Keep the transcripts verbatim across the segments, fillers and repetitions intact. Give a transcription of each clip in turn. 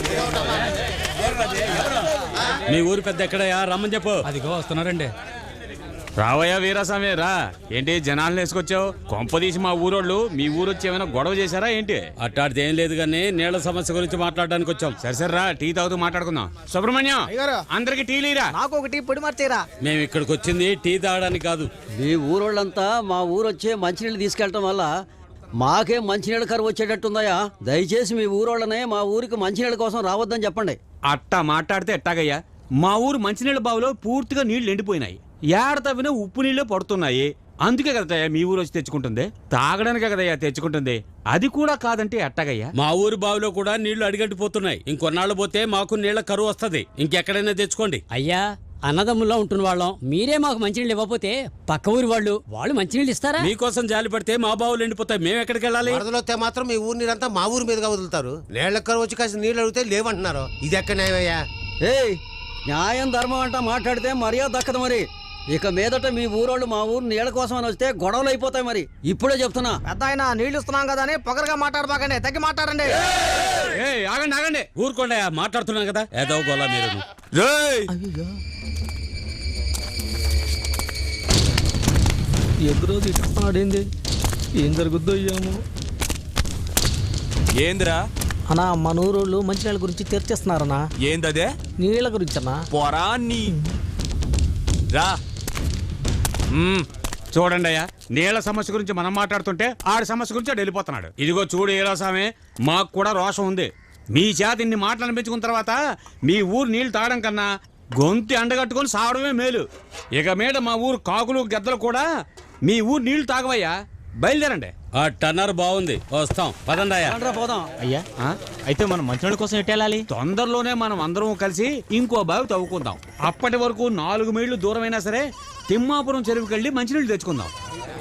మీ ఊరు పెద్ద ఎక్కడయా రమ్మని చెప్పు. అదిగో వస్తున్నారండి. రావయ్యా వీరాస్వామి రా. ఏంటి జనాలను వేసుకొచ్చావు? కొంపదీసి మా ఊరోళ్ళు మీ ఊరు వచ్చి ఏమైనా గొడవ చేశారా ఏంటి? అట్టాడితే ఏం లేదు కానీ నీళ్ల సమస్య గురించి మాట్లాడడానికి వచ్చాం. సరే సరే రా, టీ తాగుతూ మాట్లాడుకుందాం. సుబ్రహ్మణ్యం అందరికి టీ లేరా? నాకు ఒక టీ పొడి మార్చేరా. మేము ఇక్కడికి వచ్చింది టీ తాగడానికి కాదు. మీ ఊరోళ్ళంతా మా ఊరు వచ్చే మంచినీళ్ళు తీసుకెళ్ళటం వల్ల మాకే మంచినీళ్ళ కరువు వచ్చేటట్టుందయ్యా. దయచేసి మీ ఊరోళ్ళనే మా ఊరికి మంచినీళ్ళ కోసం రావద్దని చెప్పండి. అట్టా మాట్లాడితే ఎట్టాగయ్యా? మా ఊరు మంచినీళ్ళ బావిలో పూర్తిగా నీళ్లు ఎండిపోయినాయి. ఏడ తవ్వినా ఉప్పు నీళ్లే పడుతున్నాయి. అందుకే కదయ్యా మీ ఊరు వచ్చి తెచ్చుకుంటుంది. తాగడానికే కదయ్యా తెచ్చుకుంటుంది. అది కూడా కాదంటే ఎట్టాగయ్యా? మా ఊరు బావిలో కూడా నీళ్లు అడిగట్టిపోతున్నాయి. ఇంకొన్నాళ్ళు పోతే మాకు నీళ్ల కరువు వస్తుంది. ఇంకెక్కడైనా తెచ్చుకోండి. అయ్యా అన్నదమ్ముల్లో ఉంటున్న వాళ్ళం, మీరే మాకు మంచినీళ్ళు ఇవ్వకపోతే పక్క ఊరి వాళ్ళు వాళ్ళు మంచినీళ్ళు ఇస్తారా? మీకోసం జాలి పడితే మా బావులు ఎండిపోతాయి. మేము ఎక్కడికి వెళ్ళాలి? వరదలొస్తే మాత్రం మీ ఊరి నీరంతా మా ఊరి మీదుగా వదులుతారు. నీళ్ళ కరువు వచ్చి కాసి నీళ్ళు అడిగితే లేవంటున్నారు. ఇది ఎక్కడ న్యాయమయ్యా? ఏయ్, న్యాయం ధర్మం అంట మాట్లాడితే మర్యాద దక్కదు. మరి ఇక మీదట మీ ఊరోళ్ళు మా ఊరు నీళ్ళ కోసం అని వస్తే గొడవలు అయిపోతాయి. మరి ఇప్పుడే చెప్తున్నా. పెద్ద ఆయన నీళ్లు ఇస్తున్నాం కదా అని పొగరగా మాట్లాడబాకండి, తగ్గి మాట్లాడండి. ఆగండి ఆగండి, ఊరుకోండి. మాట్లాడుతున్నాం కదా ఏదో గోలా మీరు. ఎదురోజు ఇస్తున్నాడేంది? ఏం జరుగుద్దో అయ్యాము. ఏందిరా అన్నా మన ఊరోళ్ళు మంచినీళ్ళ గురించి తెరిచేస్తున్నారన్నా. ఏందదే? నీళ్ళ గురించి అన్నా. పొరా నీ రా. చూడండి అయ్యా, నీళ్ల సమస్య గురించి మనం మాట్లాడుతుంటే ఆడి సమస్య గురించి ఆడు వెళ్ళిపోతున్నాడు. ఇదిగో చూడు ఈరాసామే, మాకు కూడా రోషం ఉంది. మీ చేత ఇన్ని మాటలు అనిపించుకున్న తర్వాత మీ ఊరు నీళ్లు తాగడం కన్నా గొంతి అండగట్టుకొని సావడమే మేలు. ఇక మీద మా ఊరు కాకులు గద్దలు కూడా మీ ఊరు నీళ్లు తాగవయ్యా. బయలుదేరండి. ఆ టన్నర్ బాగుంది, వస్తాం. పదండి అయ్యా. పోదాం. అయ్యా అయితే మనం మంచినీళ్ళ కోసం ఎట్టేళ్ళాలి? తొందరలోనే మనం అందరం కలిసి ఇంకో బావి తవ్వుకుందాం. అప్పటి వరకు నాలుగు మైళ్ళు దూరమైనా సరే తిమ్మాపురం చెరువుకి వెళ్ళి మంచినీళ్ళు తెచ్చుకుందాం.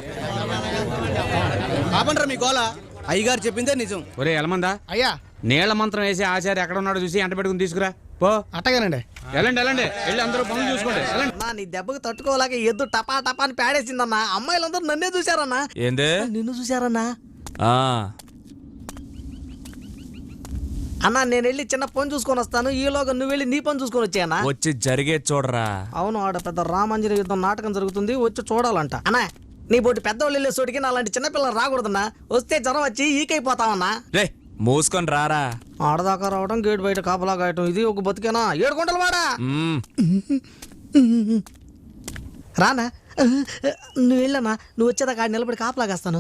కాపండ్రా మీ గోల. అయ్యగారు చెప్పిందే నిజం. ఒరే ఎలమందా, అయ్యా నీళ్ల మంత్రం వేసి ఆచార్య ఎక్కడ ఉన్నాడో చూసి ఎంట పెట్టుకుని తీసుకురా పో. అట్టగానండి. వెళ్ళండి వెళ్ళండి, వెళ్ళి అందరూ పనులు చూసుకోండి. నీ దెబ్బకు తట్టుకోలేక ఎద్దు టపా టపా అని పేడేసిందన్నా. అమ్మాయిలందరూ నన్నే చూశారన్నా. ఏందే? నిన్ను చూశారన్నా. ఆ అన్నా నేను వెళ్ళి చిన్న పని చూసుకొని వస్తాను. ఈలోగా నువ్వు వెళ్ళి నీ పని చూసుకొని వచ్చాయన్నా. వచ్చి జరిగే చూడరా. అవును, ఆడ పెద్ద రామాంజనేయ యుద్ధం నాటకం జరుగుతుంది, వచ్చి చూడాలంట. అన్నా నీ బోటి పెద్దవాళ్ళు వెళ్ళే చోటికి నా అలాంటి చిన్నపిల్లలు రాకూడదన్నా. వస్తే జ్వరం వచ్చి ఈకైపోతామన్నా. రే మూసుకొని రారా. ఆడదాకా రావడం, గేట్ బయట కాపలా కాయటం, ఇది ఒక బతికేనా? ఏడు గుంటలు వాడా రానా. నువ్వు వెళ్ళన్నా, నువ్వు వచ్చేదాకా ఆడ నిలబడి కాపలా కాస్తాను.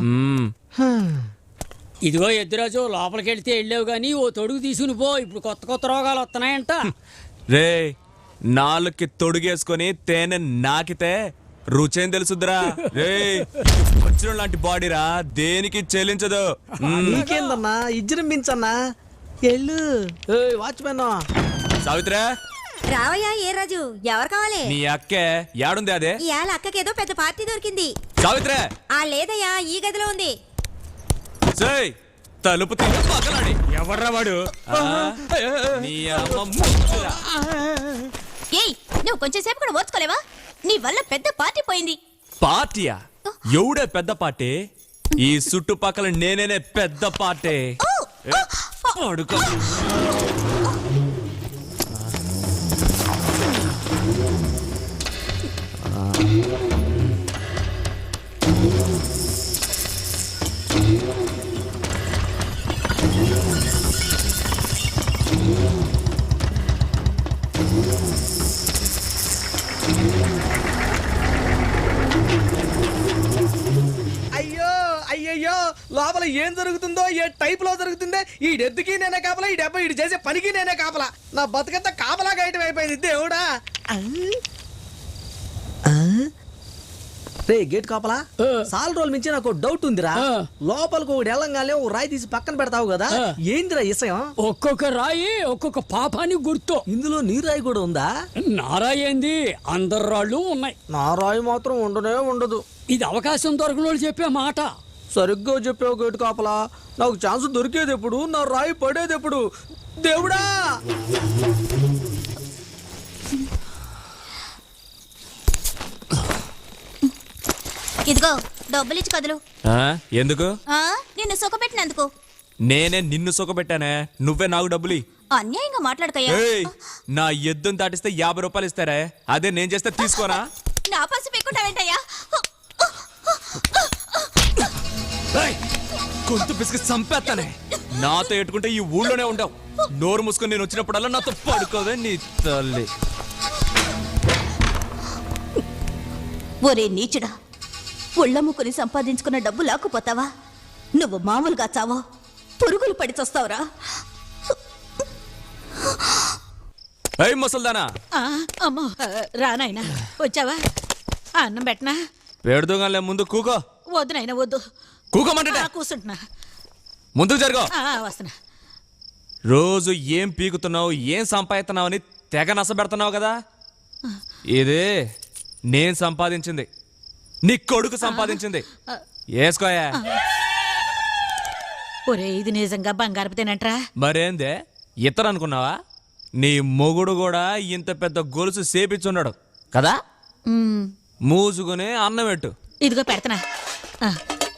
ఇదిగో ఎద్దురాజు, లోపలికి వెళ్తే వెళ్ళావు గానీ ఓ తొడుగు తీసుకుని పో. ఇప్పుడు కొత్త కొత్త రోగాలు వస్తున్నాయంట. రే నాలుగుకి తొడుగేసుకొని తేనె నాకితే రుచేం తెలుసుద్రా. రే వచ్చిన లాంటి బాడీరా, దేనికి చెల్లించదు. నీకేందన్నా ఇజ్జరించన్నా. ఎల్లు వాచ్మెన్. సావిత్రా రావయ్యా. ఏ రాజు, ఎవరు కావాలి? నీ అక్కే యాడుంది? అదే ఇవాళ అక్కకేదో పెద్ద పార్టీ దొరికింది. సావిత్రా. ఆ లేదయ్యా, ఈ గదిలో ఉంది. సేయ్ తలుపు తీసి పక్కనాడి. ఎవర్రా వాడు? నీ అమ్మ ముచ్చురా. ఏయ్, నువ్వు కొంచెం సేపు కూడా ఓర్చుకోలేవా? నీ వల్ల పెద్ద పార్టీ పోయింది. పార్టీయా? ఎవడే పెద్ద పార్టీ? ఈ చుట్టుపక్కల నేనేనే పెద్ద పార్టీ. అడుగు అయ్యో అయ్యయ్యో, లోపల ఏం జరుగుతుందో, ఏ టైప్ లో జరుగుతుందో. ఈ డెత్తుకి నేనే కాపలా, ఈ డెబ్బ ఇటు చేసే పనికి నేనే కాపలా. నా బతుకంతా కాపలా గాయటం అయిపోయింది. దేవుడా. రే గేట్ కాపలా, సాల్ రోజుల మించి నాకు డౌట్ ఉందిరా. లోపలికి ఒకటి వెళ్ళంగానే ఓ రాయి తీసి పక్కన పెడతావు కదా, ఏందిరా ఇసయం? ఒక్కొక్క రాయి ఒక్కొక్క పాపానికి గుర్తు. ఇందులో నీ రాయి కూడా ఉందా? నా రాయి ఏంది, అందరు రాళ్ళు ఉన్నాయి. నా రాయి మాత్రం ఉండనే ఉండదు. ఇది అవకాశం దొరకనోళ్ళు చెప్పే మాట. సరిగ్గా చెప్పావు గేటు కాపలా. నాకు ఛాన్స్ దొరికేది ఎప్పుడు, నా రాయి పడేది ఎప్పుడు? దేవుడా. ఇదిగో డబ్బులు ఇచ్చి కదులు. ఎందుకు? నిన్ను సుఖపెట్టినందుకు. నేనే నిన్ను సుఖపెట్టానే, నువ్వే నాకు డబ్బులి. అన్యాయంగా మాట్లాడకయ్యా. ఏయ్, నా ఎద్దును దాటిస్తే యాభై రూపాయలు ఇస్తారే, అదే నేను చేస్తే తీసుకోనా? నా పసి పెట్టుకుంటావేంటయ్యా? ఏయ్, గొంతు పిసికి చంపేస్తానే. నాతో ఎట్టుకుంటే ఈ ఊళ్ళోనే ఉండవు. నోరు మూసుకొని నేను వచ్చినప్పుడల్లా నాతో పడుకోవే నీ తల్లి. ఒరే నీచుడా, ఉళ్ళమ్ముకుని సంపాదించుకున్న డబ్బు లాక్కుపోతావా? నువ్వు మామూలుగా చావో, పురుగులు పడి చస్తావురా. ఏయ్ ముసల్దానా, ఆ, అమ్మో రా నాయనా, వచ్చావా? ఆ, అన్నం పెట్టనా? పెడుదోగానే ముందు కూకో. వద్దు నాయనా వద్దు. కూకోమంటే ఆ, కూర్చుంటున్నా. ముందుకు జరుగు. ఆ, వస్తున్నా. రోజు ఏం పీకుతున్నావు, ఏం సంపాదిస్తున్నావు అని తెగ నసబెడుతున్నావు కదా. ఇదే నేను సంపాదించింది, నీ కొడుకు సంపాదించింది. వేసుకోయా. ఒరే ఇది నిజంగా బంగారపు తినంట్రా. మరేందే ఇతరు అనుకున్నావా? నీ మొగుడు కూడా ఇంత పెద్ద గొలుసు సేపిచ్చున్నాడు కదా. ఉమ్, మూసుకుని అన్నం పెట్టు. ఇదిగో పెడతనా. ఆ,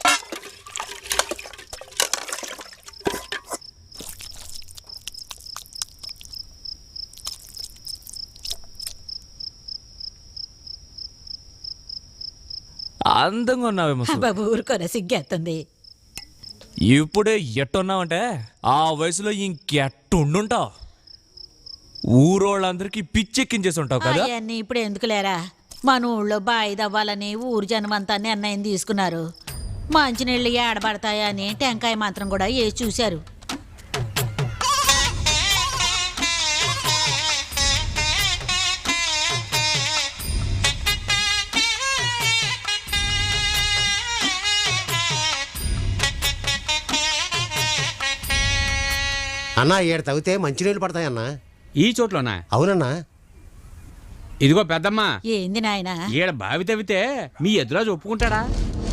అందంగా ఉన్నావే ముసలి. బాబు ఊరుకోరా, సిగ్గేస్తుంది. ఇప్పుడే ఎట్టున్నావంటే ఆ వయసులో ఇంకెట్టుండుంటావు. ఊరోళ్ళందరికీ పిచ్చెక్కించేసి ఉంటావు కదా. అవన్నీ ఇప్పుడు ఎందుకు లేరా? మన ఊళ్ళో బాయి దవ్వాలని ఊరు జనం అంతా నిర్ణయం తీసుకున్నారు. మంచినీళ్ళు ఏడబడతాయని టెంకాయ మాత్రం కూడా వేసి చూశారు. అన్నా ఏడు తవ్వితే మంచినీళ్ళు పడతాయన్నా. ఈ చోట్లోనా? అవునన్నా. ఇదిగో పెద్దమ్మా, ఏంది నాయనా? ఈడ బావి తవ్వితే మీ ఎదురాజు ఒప్పుకుంటాడా?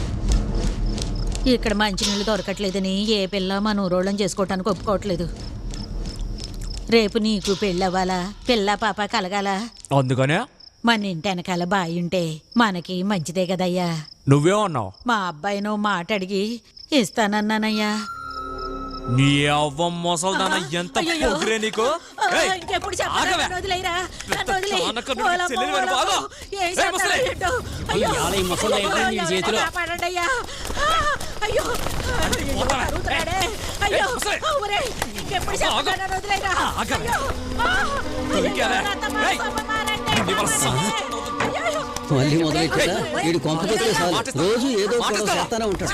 ఇక్కడ మంచినీళ్ళు దొరకట్లేదని ఏ పిల్ల మన ఊరోళ్ళని చేసుకోవటానికి ఒప్పుకోవట్లేదు. రేపు నీకు పెళ్ళవ్వాలా, పిల్ల పాప కలగాల. అందుకనే మన ఇంటి వెనకాల బాయి ఉంటే మనకి మంచిదే కదయ్యా. నువ్వేమన్నావు? మా అబ్బాయి నువ్వు మాట అడిగి ఇస్తానన్నానయ్యా. నీ అవ్వ మొసల్దాన, ఎంత అయ్యయ్యో. పొగిరే నీకు. ఆ, ఏయ్, ఇంకెప్పుడు చెప్పను, ఆగవే. నన్ను వదిలేయరా, నన్ను వదిలేయ్. చానక నువ్వు ఓలమ్మ, చెల్లెలు వెనుక ఓలమ్మ. ఆగు. ఏం ఏయ్, చేస్తారో ముసలి. ఏంటో. అయ్యో. ఇవాళ ఈ ముసలి అయిపోయింది నీ అయ్యో, చేతిలో. కాపాడండయ్యా. ఆ, అయ్యో. అయ్యో, పోతావా? అరుగుతున్నాడే. అయ్యో. ఏయ్, ముసలి. ఒరేయ్, ఇంకెప్పుడు చెప్పను, ఆగు. నన్ను వదిలేయరా. ఆగవే. అయ్యో. ఆ, దొరికావే. అయ్యో, రథమా, ఏయ్, సభమా, రండి. నీ వల్ల సంవత్సరం అయ్యో. మళ్ళీ మొదలెట్టా. వీడు కొంపకొస్తే చాలు రోజు ఏదో గొడవ చేస్తానే ఉంటాడు.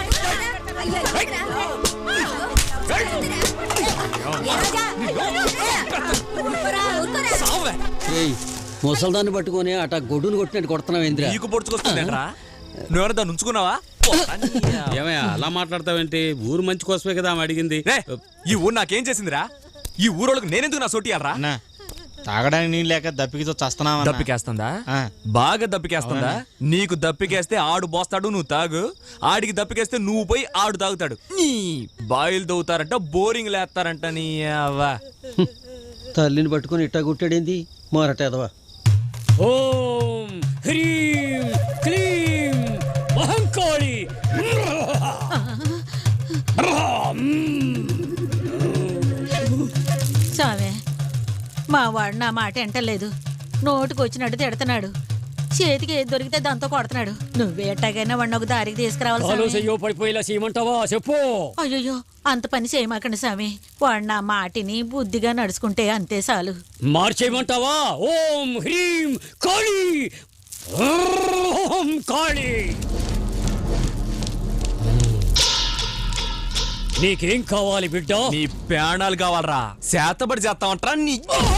సావే. ఏయ్ ముసల్దాన్ని పట్టుకొని అట గొడ్డును కొట్టినట్టు కొడుతున్నావు ఏంద్రా? నీకు పొడుచుకొస్తుందేంట్రా? నువ్వెవరు దాన్ని ఉంచుకున్నావా? ఏమయ్యా అలా మాట్లాడతావేంటి? ఊరు మంచి కోసమే కదా ఆమె అడిగింది. రే, ఈ ఊరు నాకేం చేసిందిరా? ఈ ఊరోళ్ళకి నేనెందుకు నా సోటియాలరా? తాగడానికి నీళ్ళు లేక దప్పికితో చస్తున్నావా? దప్పికేస్తుందా? ఆ. బాగా దప్పికేస్తుందా? నీకు దప్పికేస్తే ఆడు బోస్తాడు, నువ్వు తాగు. ఆడికి దప్పికేస్తే నువ్వు పోయి ఆడు తాగుతాడు. నీ బాయిలు తవ్వుతారంట, బోరింగ్ లేస్తారంట. నీ అవ్వ. తల్లిని పట్టుకొని ఇట్టా గుట్టాడేంది మొరటేదవా? ఓం హ్రీం క్లీం మహంకాళి. స్వామి, మా వాడు నా మాట ఎంటలేదు. నోటుకు వచ్చినట్టు తిడుతున్నాడు. చేతికి ఏది దొరికితే దాంతో కొడుతున్నాడు. నువ్వే ఎట్టాగైనా వాడిని ఒక దారికి తీసుకురావాలి కాలు స్వామి. చెయ్యో పడిపోయేలా చేయమంటావా? చెప్పు. అయ్యో, అంత పని చేయమాకండి స్వామి. వాడు నా మాటిని బుద్ధిగా నడుచుకుంటే అంతే చాలు. మార్చేయమంటావా? ఓం హ్రీం కాళి. ఓం కాళి. నీకేం కావాలి బిడ్డ? నీ ప్రాణాలు కావాలరా? శాతపడి చేస్తామంటారా? నీ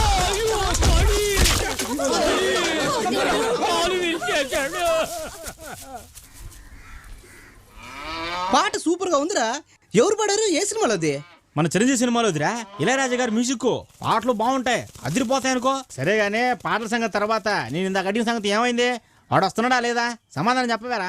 పాట సూపర్ గా ఉందిరా. ఎవరు పాడారు? ఏ సినిమాలో అది? మన చిరంజీవి సినిమాలో వదిరా ఇళయరాజా గారి మ్యూజిక్ పాటలు బాగుంటాయి, అదిరిపోతాయి అనుకో. సరేగానే పాటల సంగతి తర్వాత నేను ఇందాక అడిగిన సంగతి ఏమైంది? వాడు వస్తున్నాడా లేదా? సమాధానం చెప్పవేరా?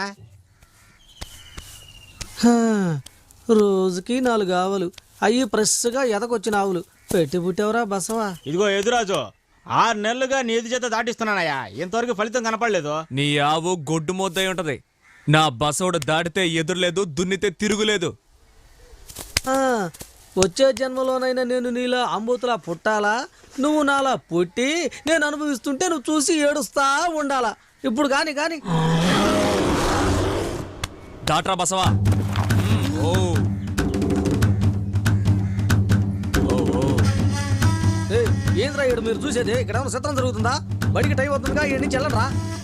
రోజుకి నాలుగు ఆవులు అయ్యి ఫ్రెష్గా ఎదకొచ్చిన ఆవులు పెట్టి పుట్టేవరా బసవా. ఇదిగో ఎదురాజు, ఆరు నెలలుగా నీ ఎదు చేత దాటిస్తున్నానయ్యా, ఇంతవరకు ఫలితం కనపడలేదు. నీ ఆవు గొడ్డు మొద్దై ఉంటది. నా బసోడు దాటితే ఎదురులేదు, దున్నితే తిరుగులేదు. వచ్చే జన్మలోనైనా నేను నీలా అంబూతులా పుట్టాలా నువ్వు నాలా పుట్టి నేను అనుభవిస్తుంటే నువ్వు చూసి ఏడుస్తా ఉండాలా ఇప్పుడు కాని కాని దాట్రా బసవా. మ్మ్, ఓ ఓ, ఓ. ఏయ్, ఏంద్రా ఈడు మీరు చూసేది ఇక్కడ ఏమైనా చిత్రం జరుగుతుందా బడికి టైం అవుతుందిగా ఈ నుంచి వెళ్ళరా